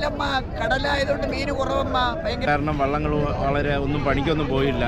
മീനില്ലമ്മ, കടലായതുകൊണ്ട് മീൻ കുറവമ്മ. കാരണം വള്ളങ്ങൾ വളരെ ഒന്നും പണിക്കൊന്നും പോയില്ല.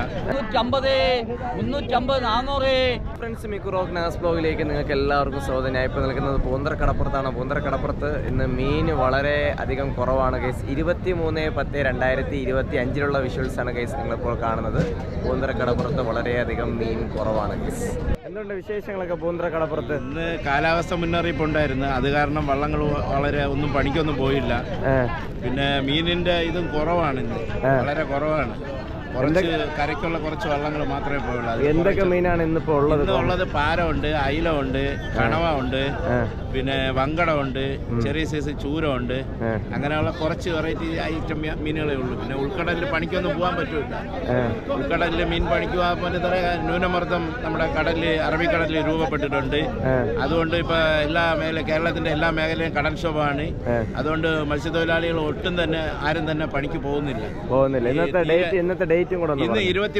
350, 400. ഫ്രണ്ട്സ്, മിക്കു റോക്ക് നാസ് ബ്ലോഗിലേക്ക് നിങ്ങൾക്ക് എല്ലാവർക്കും സ്വാഗതം. ഞാൻ ഇപ്പോൾ നിൽക്കുന്നത് പൂന്തറക്കടപ്പുറത്താണ്. പൂന്തറക്കടപ്പുറത്ത് ഇന്ന് മീൻ വളരെ അധികം കുറവാണ് ഗൈസ്. 23/10/2025 വിഷ്വൽസാണ് ഗൈസ് നിങ്ങളിപ്പോൾ കാണുന്നത്. പൂന്തറക്കടപ്പുറത്ത് വളരെയധികം മീൻ കുറവാണ് ഗൈസ്. എന്തുകൊണ്ട് വിശേഷങ്ങളൊക്കെ പൂന്തറക്കടപ്പുറത്ത്? ഇന്ന് കാലാവസ്ഥ മുന്നറിയിപ്പ് ഉണ്ടായിരുന്നു. അത് കാരണം വള്ളങ്ങൾ വളരെ ഒന്നും പണിക്കൊന്നും പോയില്ല. പിന്നെ മീനിന്റെ ഇതും കുറവാണ്, ഇന്ന് വളരെ കുറവാണ്. കുറച്ച് കരയ്ക്കുള്ള കുറച്ച് വള്ളങ്ങൾ മാത്രമേ പോയുള്ളൂ. എന്തൊക്കെ മീനാണ് ഇന്നിപ്പോ ഉള്ളത്? ഉള്ളത് പാര ഉണ്ട്, അയില ഉണ്ട്, കണവ ഉണ്ട്, പിന്നെ വങ്കട ഉണ്ട്, ചെറിയ സൈസ് ചൂര ഉണ്ട്. അങ്ങനെയുള്ള കുറച്ച് വെറൈറ്റി ഐറ്റം മീനുകളേ ഉള്ളൂ. പിന്നെ ഉൾക്കടലിൽ പണിക്കൊന്നും പോകാൻ പറ്റൂല. ഉൾക്കടലിൽ മീൻ പണിക്ക് പോകാൻ പറ്റുന്ന ന്യൂനമർദ്ദം നമ്മുടെ കടലിൽ, അറബിക്കടലിൽ രൂപപ്പെട്ടിട്ടുണ്ട്. അതുകൊണ്ട് ഇപ്പൊ കേരളത്തിന്റെ എല്ലാ മേഖലയും കടൽക്ഷോഭമാണ്. അതുകൊണ്ട് മത്സ്യത്തൊഴിലാളികൾ ഒട്ടും തന്നെ ആരും തന്നെ പണിക്ക് പോകുന്നില്ല. ഇന്നത്തെ ഡേറ്റും കൂടെ ഇന്ന്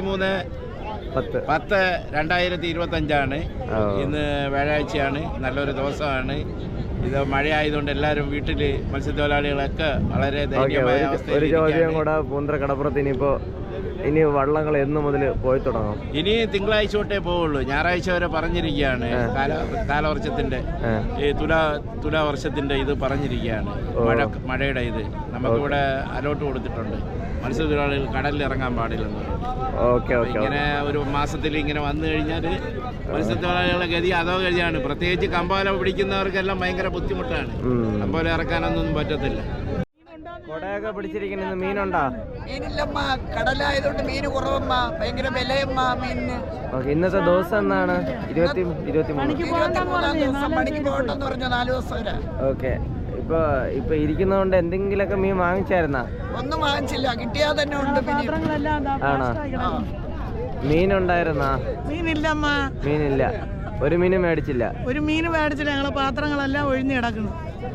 23/10/2025 ഇന്ന് വ്യാഴാഴ്ചയാണ്. നല്ലൊരു ദിവസമാണ്. ഇത് മഴയായതുകൊണ്ട് എല്ലാവരും വീട്ടില് മത്സ്യത്തൊഴിലാളികളൊക്കെ വളരെ ദയനീയമായ അവസ്ഥയിൽ. ഒരു ചോദ്യം കൂടെ, പൂന്തറക്കടപ്പുറത്ത് ഇനി വള്ളങ്ങൾ എന്ന് മുതൽ പോയി തുടങ്ങും? ഇനി തിങ്കളാഴ്ച തൊട്ടേ പോവുള്ളൂ. ഞായറാഴ്ച വരെ പറഞ്ഞിരിക്കുകയാണ്. കാലവർഷത്തിന്റെ ഈ തുലാവർഷത്തിന്റെ ഇത് പറഞ്ഞിരിക്കുകയാണ്. മഴയുടെ ഇത് നമുക്കിവിടെ അലോട്ട് കൊടുത്തിട്ടുണ്ട്. മത്സ്യത്തൊഴിലാളികൾ കടലിൽ ഇറങ്ങാൻ പാടില്ലെന്ന്. ഇങ്ങനെ ഒരു മാസത്തിൽ ഇങ്ങനെ വന്നു കഴിഞ്ഞാൽ മത്സ്യത്തൊഴിലാളികളുടെ ഗതി അതോ ഗതിയാണ്. പ്രത്യേകിച്ച് കമ്പാല പിടിക്കുന്നവർക്കെല്ലാം ഭയങ്കര ബുദ്ധിമുട്ടാണ്. കമ്പാല ഇറക്കാനൊന്നും പറ്റത്തില്ല. കൊടയൊക്കെ പിടിച്ചിരിക്കുന്ന മീനുണ്ടോ? മീനില്ലമ്മ, കടലായതുകൊണ്ട് മീൻ കുറവമ്മ. ഭയങ്കര വിലയമ്മ മീനിന്. ഇന്നത്തെ ദിവസം എന്നാണ്? 23 ദിവസം പണിക്ക് പോകണ്ടെന്ന് പറഞ്ഞു. 4 ദിവസം വരെ. ഓക്കെ. ഇപ്പൊ ഇരിക്കുന്നതുകൊണ്ട് എന്തെങ്കിലുമൊക്കെ മീൻ വാങ്ങിച്ചായിരുന്നാ? ഒന്നും വാങ്ങിച്ചില്ല, കിട്ടിയാ തന്നെ ഉണ്ട്. ആണോ? മീനുണ്ടായിരുന്നാ? മീനില്ലമ്മ, മീനില്ല. ഒരു മീനും മേടിച്ചില്ല? ഒരു മീനും മേടിച്ചില്ല. ഞങ്ങളെ പാത്രങ്ങളെല്ലാം ഒഴിഞ്ഞു കിടക്കുന്നു.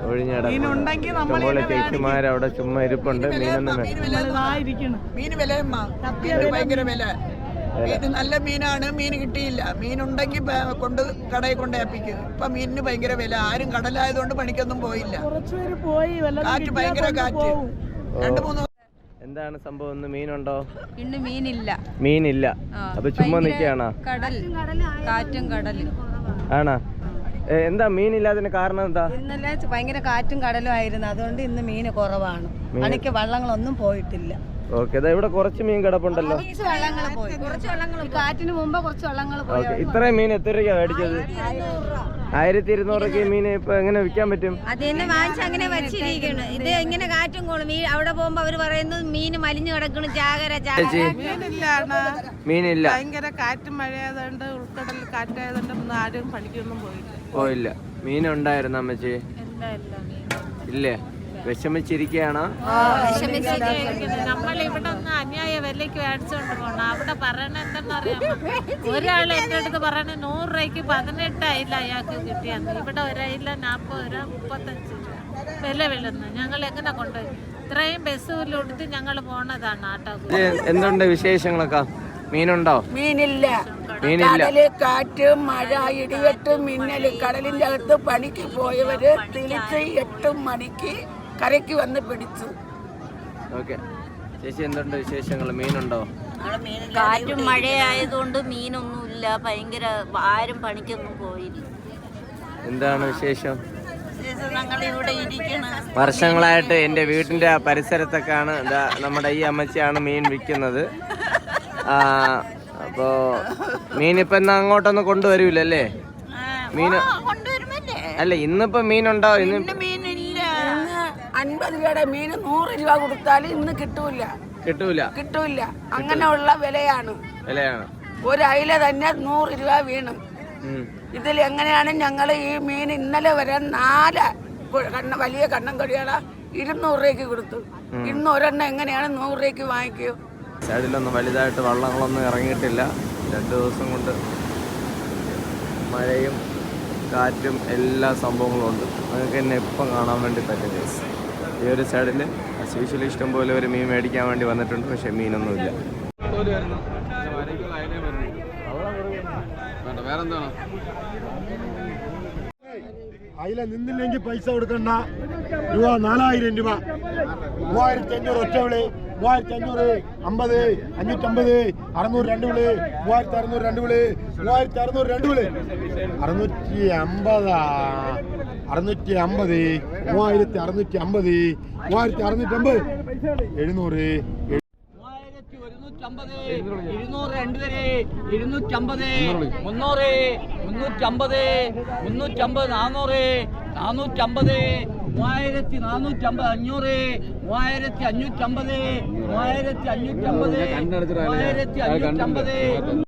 ചേച്ചിമാരവിടെ ചുമ്മാ ഇരിപ്പുണ്ട്. മീനൊന്നും മീന് വിലയമ്മ, ഭയങ്കര വില. മീൻ നല്ല മീനാണ്, മീൻ കിട്ടിയില്ല. മീനുണ്ടെങ്കിൽ കടയിൽ കൊണ്ടേപ്പിക്കും. ഇപ്പൊ മീനിന് ഭയങ്കര വില. ആരും കടലായതുകൊണ്ട് പണിക്കൊന്നും പോയില്ല. കാറ്റ്, ഭയങ്കര കാറ്റ്. 2-3. എന്താണ് സംഭവം? ഇന്ന് മീനുണ്ടോ? ഇന്ന് മീനില്ല. അപ്പൊ ചുമ്മാ നിൽക്കുകയാണോ? കാറ്റും കടലും ആണോ? എന്താ മീനില്ലാതിന് കാരണം എന്താ? ഇന്നലെ ഭയങ്കര കാറ്റും കടലും ആയിരുന്നു. അതുകൊണ്ട് ഇന്ന് മീന് കുറവാണ്. പണിക്ക് വള്ളങ്ങളൊന്നും പോയിട്ടില്ല. ഓക്കെ. ഇവിടെ കുറച്ച് മീൻ കിടപ്പുണ്ടല്ലോ. കാറ്റിന് മുമ്പ് കുറച്ച് വള്ളങ്ങൾ പോയി. ഇത്രയും മീൻ എത്ര രൂപ മേടിച്ചത്? 1200 മീൻ ഇപ്പൊ എങ്ങനെ വിൽക്കാൻ പറ്റും? അത് തന്നെ വാങ്ങിച്ച് അങ്ങനെ വെച്ചിരിക്കുന്നു. ഇത് ഇങ്ങനെ കാറ്റും കോളും. അവിടെ പോകുമ്പോ അവര് പറയുന്നത് മീന് മലിഞ്ഞു കിടക്കണം, ജാഗര. മീനില്ല. ഭയങ്കര കാറ്റും മഴയായതുകൊണ്ട്, ഉൾക്കടലിൽ കാറ്റായതുകൊണ്ട് ആരും പണിക്കൊന്നും പോയില്ല. മീനുണ്ടായിരുന്നു അമ്മച്ചി? ഇല്ലേ? വിഷമിച്ചിരിക്കുകയാണോ? നമ്മളിവിടെ ഒന്ന് അന്യായ വിലയ്ക്ക് മേടിച്ചോണ്ട് പോണം. അവിടെ പറയണ എന്തെന്നറിയാമോ? ഒരാൾ എൻ്റെ അടുത്ത് പറയണ 100 രൂപയ്ക്ക് 18 അയില അയാൾക്ക് കിട്ടിയാന്ന്. ഇവിടെ ഒരയില 40 രൂപ, 35 രൂപ വില വിളുന്നു. ഞങ്ങൾ എങ്ങനെ കൊണ്ടുപോയി? ഇത്രയും ബസ്സുകളിലെടുത്ത് ഞങ്ങൾ പോണതാണ് ആട്ടോ. എന്തുണ്ട് വിശേഷങ്ങളൊക്കെ? മീനുണ്ടോ? മീനില്ല. കടല്, കാറ്റ്, മഴ, ഇടിവെട്ട്, മിന്നല്. കടലിന്റെ അകത്ത് പണിക്ക് പോയവര് തിരിച്ച് 8 മണിക്ക് കരയ്ക്ക് വന്ന് പിടിച്ചു. ഓക്കെ. ചേച്ചി, എന്തുണ്ട് വിശേഷങ്ങൾ? മീനുണ്ടോ? കാറ്റും മഴയായതുകൊണ്ട് മീനൊന്നുമില്ല. ഭയങ്കര ആരും പണിക്കൊന്നും പോയില്ല. എന്താണ് വിശേഷം? ഞങ്ങളിവിടെ ഇരിക്കണം. വർഷങ്ങളായിട്ട് എൻ്റെ വീട്ടിൻ്റെ പരിസരത്തൊക്കെയാണ് നമ്മുടെ ഈ അമ്മച്ചിയാണ് മീൻ വിൽക്കുന്നത്. അപ്പോ മീനിപ്പോ അങ്ങോട്ടൊന്നും കൊണ്ടുവരൂലല്ലേ? മീൻ അല്ല, ഇന്നിപ്പോ മീനുണ്ടോ? ഇന്ന് 50 രൂപയുടെ മീൻ 100 രൂപ കൊടുത്താൽ ഇന്ന് കിട്ടൂല. അങ്ങനെയുള്ള വിലയാണ്. ഒരു അയില തന്നെ 100 രൂപ വീണു. ഇതിൽ എങ്ങനെയാണ് ഞങ്ങൾ ഈ മീൻ ഇന്നലെ വരെ 4 വലിയ കണ്ണൻ കൊടികള 200 രൂപയ്ക്ക് കൊടുത്തു. ഇന്ന് ഒരെണ്ണം എങ്ങനെയാണ് 100 രൂപയ്ക്ക് വാങ്ങിക്കൂ? സൈഡിലൊന്നും വലുതായിട്ട് വള്ളങ്ങളൊന്നും ഇറങ്ങിയിട്ടില്ല. 2 ദിവസം കൊണ്ട് മഴയും കാറ്റും എല്ലാ സംഭവങ്ങളും ഉണ്ട്. നിങ്ങൾക്ക് എന്നെ ഇപ്പം കാണാൻ വേണ്ടി പറ്റും. ഈ ഒരു സൈഡിൽ അസ്യൂഷ്വലി ഇഷ്ടംപോലെ ഒരു മീൻ മേടിക്കാൻ വേണ്ടി വന്നിട്ടുണ്ട്. പക്ഷെ മീനൊന്നുമില്ല. അയില നിന്നില്ലെങ്കിൽ പൈസ കൊടുക്കണ്ട. രൂപ 4000 രൂപ. 3500 ഒറ്റ വിളി. 3500, 50, 550, 600 രണ്ട് വിളി. 3600 രണ്ട് വിളി. 3600 രണ്ട് വിളി. 650, 650, 3650, 3650, 700, 200 രണ്ടുപേരെ 250, 300, 350, 350, 400, 450, 3450, 500, 3550, 3550, 3550.